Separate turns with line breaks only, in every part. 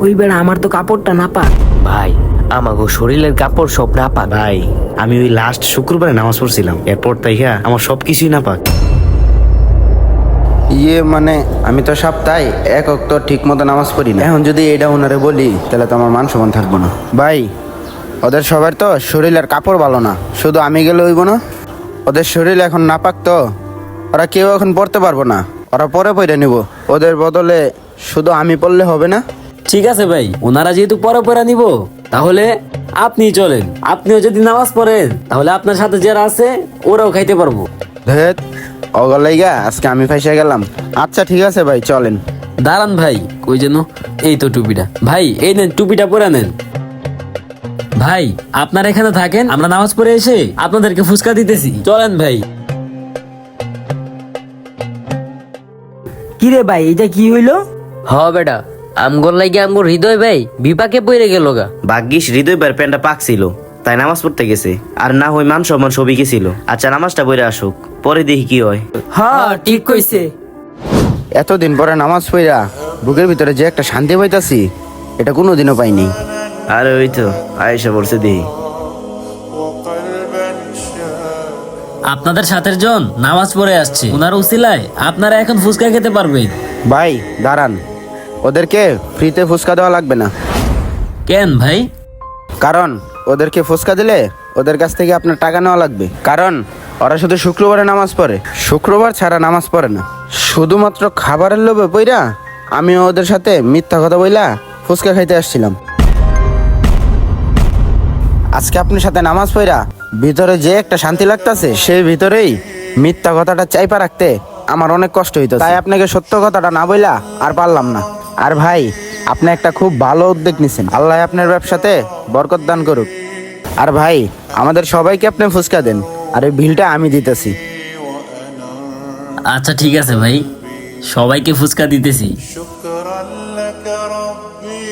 ওই বেড়া আমার তো কাপড়টা নাপাক।
ভাই আমাগো শরীরের কাপড় সব নাপাক।
ভাই আমি ওই লাস্ট শুক্রবারে নামাজ পড়ছিলাম, এরপর তাই আমার সবকিছুই না পাক।
মানে আমি তো সপ্তাহে এক ওয়াক্ত ঠিক মতো নামাজ পড়ি না। এখন যদি এটা ওনারে বলি তাহলে তো আমার মান সম্মান থাকবো না। ভাই ওদের সবার তো শরীরের কাপড় ভালো না, শুধু আমি গেলে হইব না? ওদের শরীর এখন নাপাক তো ওরা কেউ এখন পড়তে পারবো না, ওরা পরে পড়ে নিব। ওদের বদলে শুধু আমি পড়লে হবে না?
ঠিক আছে ভাই, ওনারা যেহেতু পরে পরে নিব, তাহলে আপনি চলেন। আপনিও যদি নামাজ পড়েন তাহলে আপনার সাথে যারা আছে ওরাও খাইতে পারবো।
ধেত অগলাইগা আজকে আমি ফাইসা গেলাম। আচ্ছা ঠিক আছে ভাই চলেন।
দাঁড়ান ভাই, কই যেন? এই তো টুপিটা। ভাই এই নেন, টুপিটা পরে নেন। ভাই আপনারা এখানে থাকেন, আমরা নামাজ পড়ে এসে আপনাদেরকে ফুচকা দিতেছি। চলেন ভাই।
কি রে ভাই, এটা কি হইলো?
হ বেটা, আমগর লাগে আমগর হৃদয় ভাই বিপাকে পড়ে গেল গা।
ভাগ্যিস হৃদয় ভাইয়ের প্যান্টটা পাক ছিল, তাই নামাজ পড়তে গেছে। আর না হয় মান সম্মান সবই গেছিল। আচ্ছা নামাজটা পড়ে আসুক, পরে দেখি কি হয়।
হ্যাঁ ঠিক কইছে।
এতদিন পরে নামাজ পড়া বুকের ভিতরে যে একটা শান্তি পাইতাছি, এটা কোনোদিনও পাইনি।
আরে ওই তো আয়েশা পড়ছে দেখি।
আপনাদের সাথের জন নামাজ পড়ে আসছে, ওনার উসিলায় আপনারা এখন ফুচকা খেতে পারবেন।
ভাই দাঁড়ান, ওদেরকে ফ্রিতে ফুচকা দেওয়া লাগবে না।
কেন ভাই?
কারণ ওদেরকে ফুচকা দিলে ওদের কাছ থেকে আপনার টাকা নেওয়া লাগবে। কারণ ওরা শুধু শুক্রবারে নামাজ পড়ে, শুক্রবার ছাড়া নামাজ পড়ে না। শুধুমাত্র খাবারের লোভে পইরা আমিও ওদের সাথে মিথ্যা কথা বইলা ফুচকা খাইতে আসছিলাম। আজকে আপনার সাথে নামাজ পড়া ভিতরে যে একটা শান্তি লাগতাছে, সেই ভিতরেই মিথ্যা কথাটা চাইপা রাখতে আমার অনেক কষ্ট হইতো। তাই আপনাকে সত্য কথাটা না বইলা আর পারলাম না। আর ভাই আপনি একটা খুব ভালো উদ্যোগ নিছেন, আল্লাহ আপনার ব্যবসাতে বরকত দান করুক। আর ভাই আমাদের সবাইকে আপনি ফুচকা দেন, আর এই বিলটা আমি দিতেছি।
আচ্ছা ঠিক আছে ভাই, সবাইকে ফুচকা দিতেছি।
شكرا لك ربي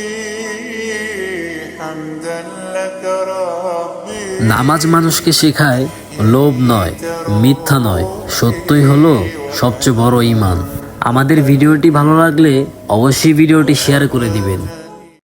حمدا لك ربي
নামাজ মানুষকে শেখায় লোভ নয়, মিথ্যা নয়, সত্যই হলো সবচেয়ে বড় ঈমান। আমাদের ভিডিওটি ভালো লাগলে অবশ্যই ভিডিওটি শেয়ার করে দিবেন।